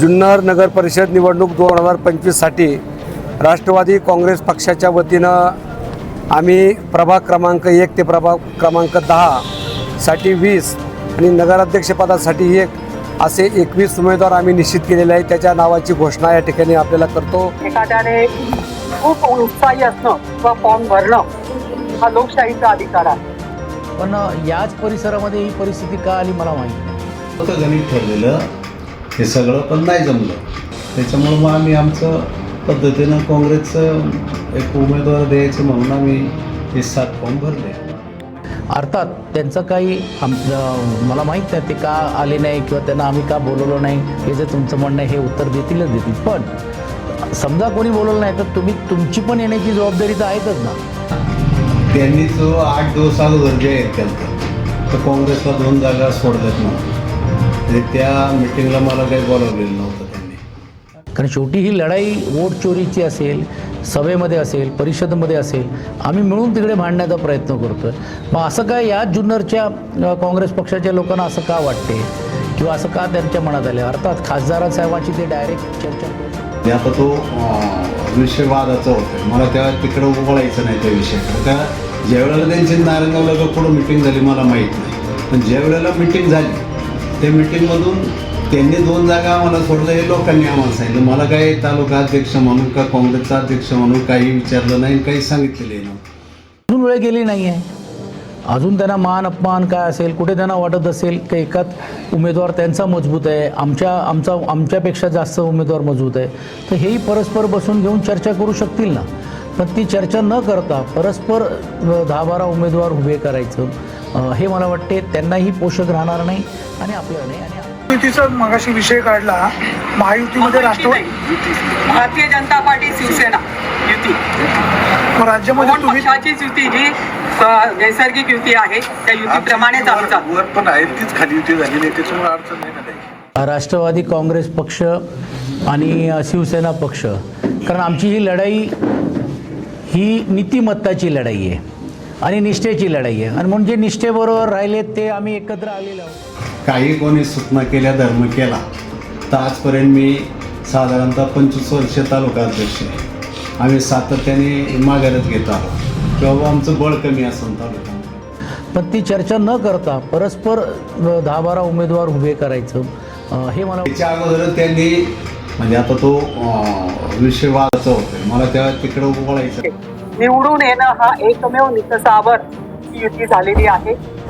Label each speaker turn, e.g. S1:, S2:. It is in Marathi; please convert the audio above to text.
S1: जुन्नर नगर परिषद निवडणूक 2025साठी राष्ट्रवादी काँग्रेस पक्षाच्या वतीनं आम्ही प्रभाग क्रमांक 1 ते प्रभाग क्रमांक 10 साठी 20 आणि नगराध्यक्षपदासाठी 1 असे 21 उमेदवार आम्ही निश्चित केलेले आहे। त्याच्या नावाची घोषणा या ठिकाणी आपल्याला करतो।
S2: एखाद्याने खूप उत्साही असणं किंवा फॉर्म भरणं हा लोकशाहीचा अधिकार आहे,
S3: पण याच परिसरामध्ये ही परिस्थिती का आली मला माहीत नाही।
S4: होतं गणित ठरलेलं हे सगळं, पण नाही जमलं। त्याच्यामुळे मग आम्ही आमचं पद्धतीनं काँग्रेसचं एक उमेदवार द्यायचं म्हणून आम्ही हे 7 फॉर्म भरले।
S3: अर्थात त्यांचं काही मला माहीत नाही ते का आले नाही किंवा त्यांना आम्ही का बोलवलो नाही, हे जे तुमचं म्हणणं आहे हे उत्तर देतीलच देतील। पण समजा कोणी बोलवलं नाही तर तुमची पण येण्याची जबाबदारी तर आहेतच ना।
S4: त्यांनी जो 8 दिवस अगोदर जे आहेत केलं तर काँग्रेसला 2 जागा सोडल्यात नव्हत्या, त्या मिटिंगला मला काही बोलावलेलं नव्हतं त्यांनी।
S3: कारण शेवटी ही लढाई वोट चोरीची असेल, सभेमध्ये असेल, परिषदेमध्ये असेल, आम्ही मिळून तिकडे भांडण्याचा प्रयत्न करतोय। मग असं काय या जुन्नरच्या काँग्रेस पक्षाच्या लोकांना असं का वाटते किंवा असं का त्यांच्या मनात आले? अर्थात खासदारासाहेबांची ते डायरेक्ट चर्चा करू।
S4: आता तो विषय वादाचा होता, मला तेव्हा तिकडं उभळायचं नाही त्या विषयाकडे। त्या ज्यावेळेला त्यांची नारायणगावला का पुढं मिटिंग झाली मला माहीत नाही, पण ज्यावेळेला मिटिंग झाली त्या मिटिंगमधून त्यांनी 2 जागा आम्हाला सोडलं हे लोकांनी आम्हाला सांगितलं। मला काही तालुका अध्यक्ष म्हणून का काँग्रेसचा अध्यक्ष म्हणून काही विचारलं नाही, काही सांगितलेलं नाही।
S3: अजून वेळ गेली नाही आहे, अजून त्यांना मान अपमान काय असेल, कुठे त्यांना वाटत असेल की एकाच उमेदवार त्यांचा मजबूत आहे, आमच्यापेक्षा जास्त उमेदवार मजबूत आहे, तर हेही परस्पर बसून घेऊन चर्चा करू शकतील ना। पण ती चर्चा न करता परस्पर 10-12 उमेदवार उभे करायचं हे मला वाटते त्यांनाही पोषक राहणार नाही आणि आपल्याला नाही। आणि
S5: युतीचा मगाशी विषय काढला, महायुतीमध्ये राष्ट्रवादी,
S2: भारतीय जनता पार्टी, शिवसेना युती,
S5: राज्यामध्ये तुम्ही
S2: पक्षाचीच युती जी नैसर्गिक युती आहे त्या युतीप्रमाणेच आम्ही चालू।
S6: वर पण आहे तीच खाली युती झालेली आहे, त्याच्यामुळे अडचण नाही ना काही।
S3: राष्ट्रवादी काँग्रेस पक्ष आणि शिवसेना पक्ष, कारण आमची ही लढाई ही नीतिमत्ताची लढाई आहे आणि निष्ठेची लढाई आहे, आणि म्हणून जे निष्ठेबरोबर राहिले ते आम्ही एकत्र आलेलो आहोत।
S4: काही कोणी सूचना केल्या, धर्म केला, तर आजपर्यंत मी साधारणतः 25 वर्ष तालुका अध्यक्ष आहे। आम्ही सातत्याने माघारच घेत आहोत किंवा आमचं बळ कमी असेल तालुक्यामध्ये,
S3: पण ती चर्चा न करता परस्पर 10-12 उमेदवार उभे करायचं हे मला
S4: त्याच्या अगोदर त्यांनी म्हणजे आता तो विषय वादाचा होता, मला तेव्हा तिकडं उभळायचं।
S2: निवडून येणं हा एकमेव निकषावर ही युती झालेली आहे।